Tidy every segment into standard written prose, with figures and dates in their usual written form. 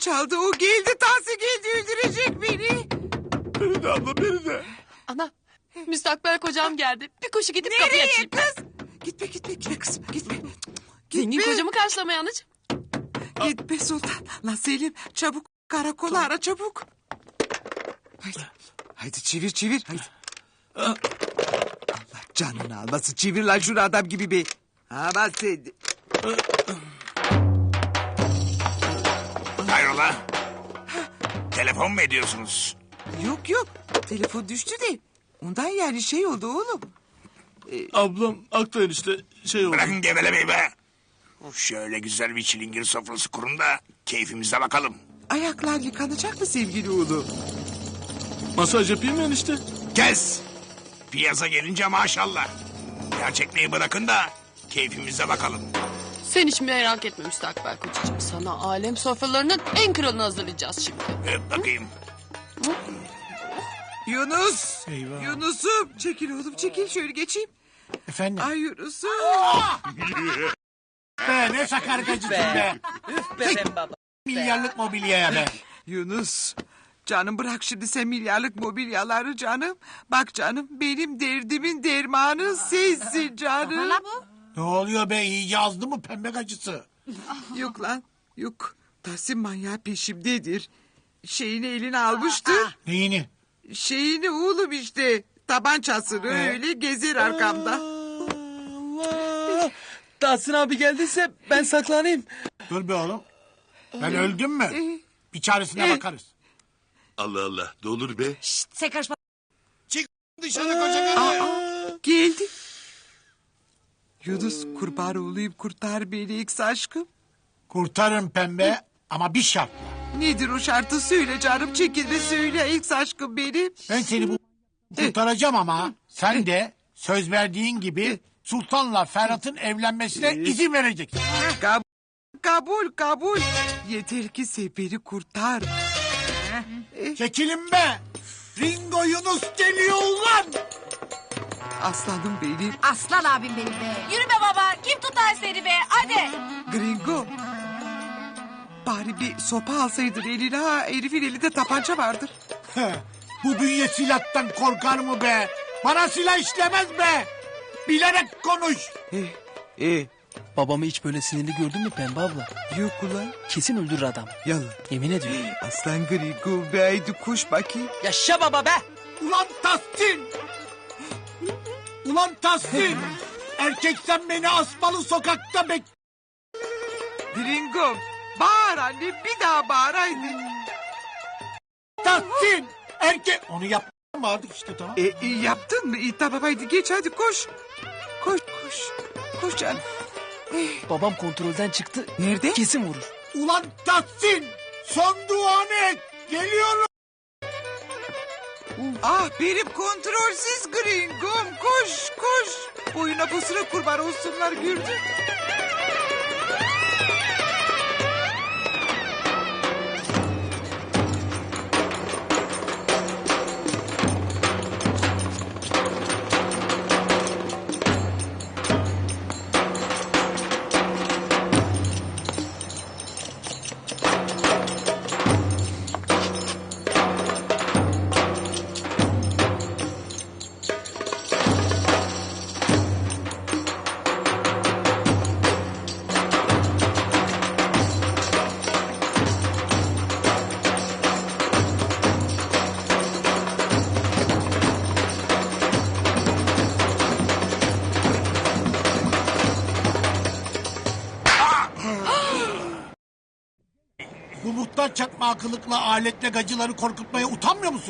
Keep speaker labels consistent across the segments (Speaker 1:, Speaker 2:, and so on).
Speaker 1: çaldı. O geldi. Tahsin geldi öldürecek beni.
Speaker 2: Beni de abla beni de.
Speaker 3: Ana, müstakbel kocam geldi. Bir koşu gidip kapıyı
Speaker 1: Nereye
Speaker 3: açayım.
Speaker 1: kız? Gitme kızım gitme.
Speaker 3: Zengin
Speaker 1: Gitme.
Speaker 3: kocamı karşılamaya anacığım.
Speaker 1: Gitme Sultan. Lan Selim çabuk karakola ara çabuk. Haydi çevir haydi. Allah canını almasın çevir lan şunu adam gibi be. Ha ben sen.
Speaker 2: Hayrola? Telefon mu ediyorsunuz?
Speaker 1: Yok telefon düştü de. Ondan yani şey oldu oğlum.
Speaker 4: Ablam Aktay'ın işte şey oldu.
Speaker 2: Bırakın gevelemeyi be. Şöyle güzel bir çilingir sofrası kurun da keyfimize bakalım.
Speaker 1: Ayaklar yıkanacak mı sevgili oğlum?
Speaker 4: Masaj yapayım ben işte.
Speaker 2: Kes! Piyasa gelince maşallah. Gerçekliği bırakın da keyfimize bakalım.
Speaker 3: Sen hiç merak etme müstakbel kocacığım. Sana alem sofralarının en kralını hazırlayacağız şimdi.
Speaker 2: Öp bakayım.
Speaker 1: Yunus.
Speaker 4: Eyvah.
Speaker 1: Yunus'um çekil oğlum çekil şöyle geçeyim.
Speaker 5: Efendim?
Speaker 1: Ay Yunus'um.
Speaker 5: Be ne sakar gacısın be.
Speaker 6: Üf be sen baba.
Speaker 5: Milyarlık mobilyaya be.
Speaker 1: Yunus. Canım bırak şimdi sen milyarlık mobilyaları canım. Bak canım benim derdimin dermanı sensin canım.
Speaker 5: Ne oluyor be iyice azdı mı pembe gacısı?
Speaker 1: Yok lan yok. Tahsin manyağı peşimdedir. Şeyini eline almıştır.
Speaker 5: Neyini?
Speaker 1: Şeyini oğlum işte. Tabancasını öyle gezer arkamda.
Speaker 6: Allah. Tahsin abi geldiyse ben saklanayım.
Speaker 5: Dur be oğlum. Ben öldüm mü? Bir çaresine bakarız.
Speaker 4: Allah Allah ne olur be.
Speaker 6: Sen karışma.
Speaker 5: Çık dışarı koca karı.
Speaker 1: Geldi. Yunus kurban olayım kurtar beni X aşkım.
Speaker 5: Kurtarın pembe ama bir şartla.
Speaker 1: Nedir o şartı söyle canım çekilme söyle X aşkım benim.
Speaker 5: Ben seni bu kurtaracağım ama sen de söz verdiğin gibi Sultan'la Ferhat'ın evlenmesine izin vereceksin.
Speaker 1: Kabul. Yeter ki sen beni kurtar.
Speaker 5: Çekilin be. Ringo Yunus geliyor ulan.
Speaker 1: Aslanım benim.
Speaker 7: Aslan abim benim be. Yürü be baba. Kim tutar seni be? Hadi.
Speaker 1: Gringo. Bari bir sopa alsaydın eline ha. Herifin elinde tabanca vardır.
Speaker 5: Bu bünye silahtan korkar mı be? Bana silah işlemez be. Bilerek konuş.
Speaker 6: Babamı hiç böyle sinirli gördün mü Pembe abla?
Speaker 1: Yok ulan.
Speaker 6: Kesin öldürür adam.
Speaker 1: Yalan.
Speaker 6: Yemin ediyorum.
Speaker 1: Aslan Gringo be haydi koş bakayım.
Speaker 6: Yaşa baba be.
Speaker 5: Ulan Tahsin. Ulan Tahsin. Erkek sen beni asmalı sokakta bek...
Speaker 1: Gringo. Bağır anne bir daha bağır haydi.
Speaker 5: Tahsin. Erkek... Onu yapmadık işte tamam.
Speaker 1: Yaptın mı? Tamam haydi geç hadi koş. Koş. Koş canım.
Speaker 6: Babam kontrolden çıktı.
Speaker 1: Nerede?
Speaker 6: Kesin vurur.
Speaker 5: Ulan Tahsin. Son duanı et. Geliyorum.
Speaker 1: Ah benim kontrolsüz Gringo'm koş. Boyuna posuna kurban olsunlar gördün.
Speaker 5: Bu muhtar çakma akıllıkla aletle gacıları korkutmaya utanmıyor musun?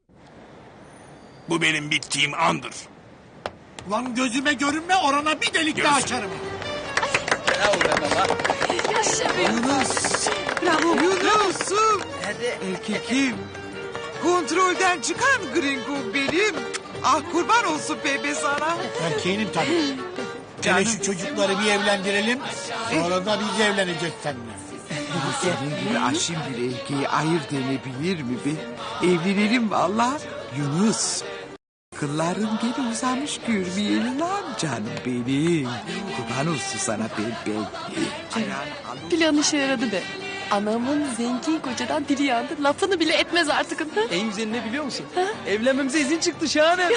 Speaker 2: Bu benim bittiğim andır.
Speaker 5: Ulan gözüme görünme orana bir delik daha açarım.
Speaker 6: Bravo be baba.
Speaker 1: Yunus. Bravo Yunus'um.
Speaker 6: Hadi.
Speaker 1: Erkekim. Kontrolden çıkan Gringo benim. Ah kurban olsun bebe sana.
Speaker 5: Erkeğinim tabii. Hele şu çocukları bir evlendirelim. Sonra da biz evleneceğiz seninle.
Speaker 1: Senin gibi aşim bir erkeği ayırt edebilir mi be? Evlenelim valla. Yunus. Kılların geri uzamış görmeyelim lan canım benim. Kurban olsun sana bebe. Ayağını al.
Speaker 3: Plan işe yaradı be. Anamın zengin kocadan dili yandı. Lafını bile etmez artık.
Speaker 6: En güzeli ne biliyor musun? Evlenmemize izin çıktı şahane.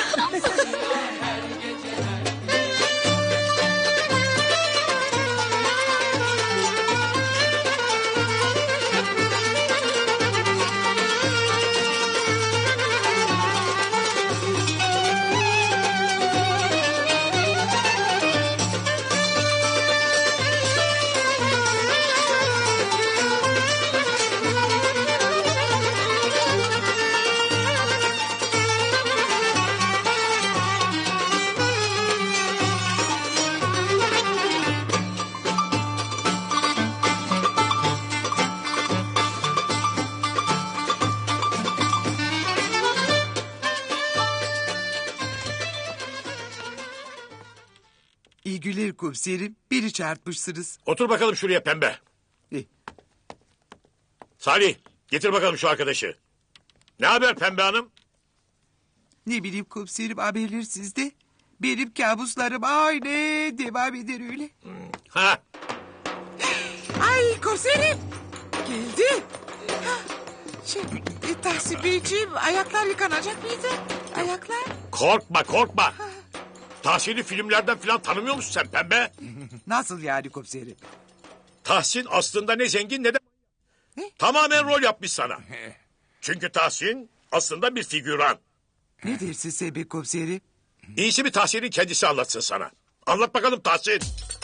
Speaker 1: İyi güler komiserim. Biri çarpmışsınız.
Speaker 8: Otur bakalım şuraya pembe.
Speaker 1: Eh,
Speaker 8: Salih getir bakalım şu arkadaşı. Ne haber pembe hanım?
Speaker 1: ne bileyim komiserim, haberler sizde. Benim kabuslarım aynı devam eder öyle.
Speaker 8: Ha,
Speaker 1: Ay komiserim. Geldi. Tahsin Beyciğim, ayaklar yıkanacak mıydı? Ayaklar.
Speaker 8: korkma korkma. Tahsin'i filmlerden falan tanımıyor musun sen pembe?
Speaker 1: Nasıl yani komiserim?
Speaker 8: Tahsin aslında ne zengin ne de...
Speaker 1: Ne?
Speaker 8: Tamamen rol yapmış sana. Çünkü Tahsin aslında bir figüran.
Speaker 1: Ne dersin sen be komiserim?
Speaker 8: İyisi bir Tahsin'in kendisi anlatsın sana. Anlat bakalım Tahsin.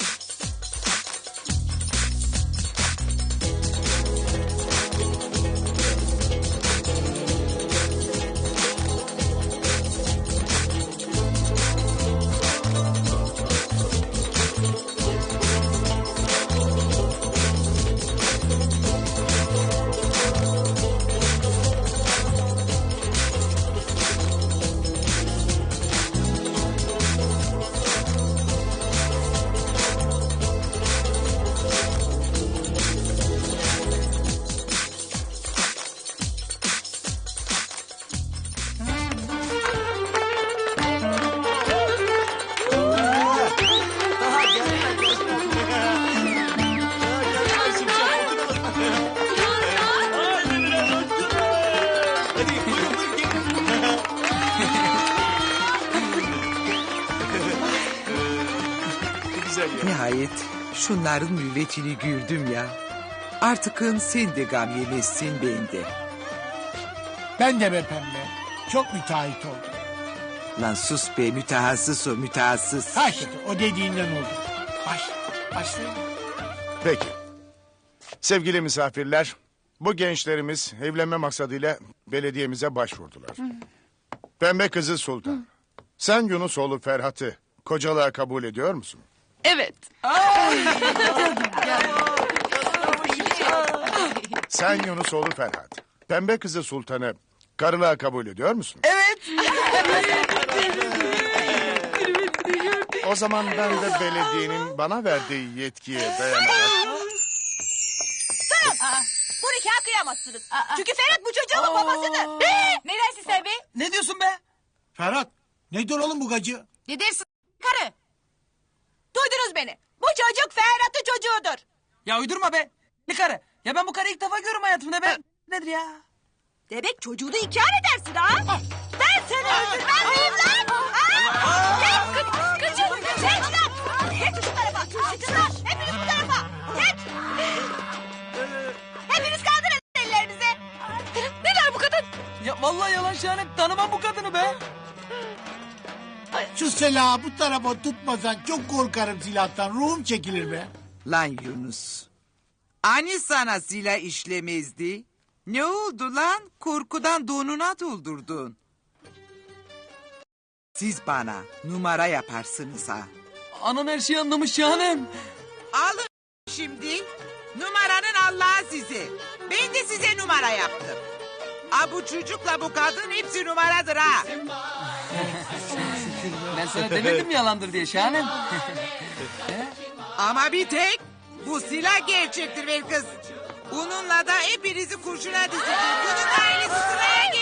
Speaker 1: Nihayet şunların mürvetini gördüm ya. Artıkın sen de gam yemezsin, ben de.
Speaker 5: Ben de be pembe. Çok müteahhit oldum.
Speaker 1: Lan sus be, mütehassıs o, mütehassıs.
Speaker 5: Ha işte o dediğinden oldu. Başlayalım.
Speaker 9: Peki. Sevgili misafirler, bu gençlerimiz evlenme maksadıyla belediyemize başvurdular. Pembe kızı Sultan. Sen Yunusoğlu Ferhat'ı kocalığa kabul ediyor musun?
Speaker 3: Evet.
Speaker 9: Sen Yunusoğlu Ferhat. Pembe kızı Sultan'ı karılığa kabul ediyor musun?
Speaker 6: Evet.
Speaker 9: O zaman ben de belediyenin bana verdiği yetkiye dayanarak...
Speaker 7: Bu nikah kıyamazsınız. Çünkü Ferhat bu çocuğun babasıdır. Ne dersin sen be?
Speaker 6: Ne diyorsun be?
Speaker 5: Ferhat nedir oğlum bu gacı?
Speaker 7: Ne dersin karı? Duydunuz beni. Bu çocuk Ferhat'ın çocuğudur.
Speaker 6: Ya uydurma be. Ne karı? Ya ben bu karıyı ilk defa görüyorum hayatımda be. Nedir ya?
Speaker 7: Demek çocuğunu inkar edersin ha? Ben seni öldürmez miyim lan? Ha? Geç kaçın. Geç lan. Geç şu tarafa. Kaçın lan. Hepiniz bu tarafa. Geç. Hepiniz kaldırın ellerinizi. Ne der bu kadın?
Speaker 6: Ya vallahi yalan şahane. Tanımam bu kadını be.
Speaker 5: Şu silahı bu tarafa tutmasan çok korkarım silahtan. Ruhum çekilir be.
Speaker 1: Lan Yunus. Hani sana silah işlemezdi? Ne oldu lan? Korkudan donuna doldurdun. Siz bana numara yaparsınız ha.
Speaker 6: Anan her şeyi anlamış şahanem.
Speaker 1: Alın şimdi. Numaranın Allah'a size. Ben de size numara yaptım. Ha, bu çocukla bu kadın hepsi numaradır ha.
Speaker 6: Ben sana demedim yalandır diye şahanem.
Speaker 1: Ama bir tek bu silah gerçektir be kız. Bununla da hepinizi kurşuna dizeceğim. Bunun ailesi sıraya